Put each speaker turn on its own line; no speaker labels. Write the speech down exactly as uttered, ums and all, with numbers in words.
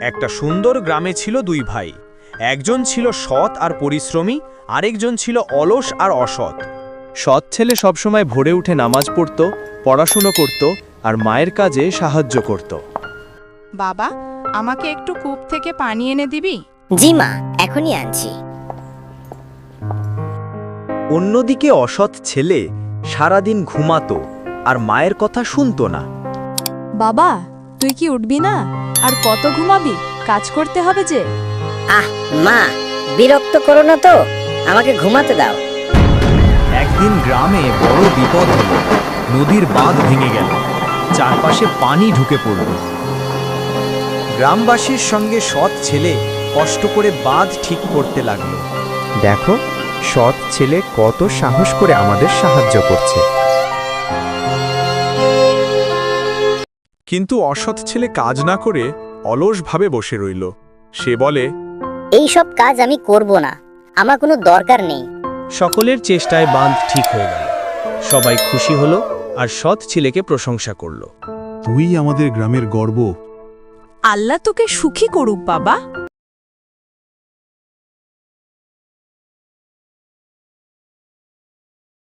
একটা সুন্দর গ্রামে ছিল দুই ভাই। একজন ছিল সৎ আর পরিশ্রমী, আরেকজন ছিল অলস আর অসৎ। সৎ ছেলে সবসময় ভোরে উঠে নামাজ পড়ত, পড়াশুনো করত আর মায়ের কাজে সাহায্য করত।
বাবা, আমাকে একটু কূপ থেকে পানি এনে দিবি?
জি মা, এখনই আনছি।
অন্যদিকে অসৎ ছেলে সারাদিন ঘুমাতো আর মায়ের কথা শুনতো না।
বাবা, তুই কি উঠবি না? আর কত ঘুমাবি? কাজ করতে হবে যে।
আহ মা, বিরক্ত করো না তো, আমাকে ঘুমাতে দাও।
একদিন গ্রামে বড় বিপদ হলো। নদীর বাঁধ ভেঙে গেল, চারপাশে পানি ঢুকে পড়ল। গ্রামবাসীর সঙ্গে সৎ ছেলে কষ্ট করে বাঁধ ঠিক করতে লাগলো।
দেখো, সৎ ছেলে কত সাহস করে আমাদের সাহায্য করছে।
কিন্তু অসৎ ছেলে কাজ না করে অলসভাবে বসে রইল। সে বলে,
এই সব কাজ আমি করব না, আমার কোনো দরকার নেই।
সকলের চেষ্টায় বাঁধ ঠিক হয়ে গেল। সবাই খুশি হলো আর সৎ ছেলেকে প্রশংসা করল।
তুই আমাদের গ্রামের গর্ব।
আল্লাহ তোকে সুখী করুক বাবা।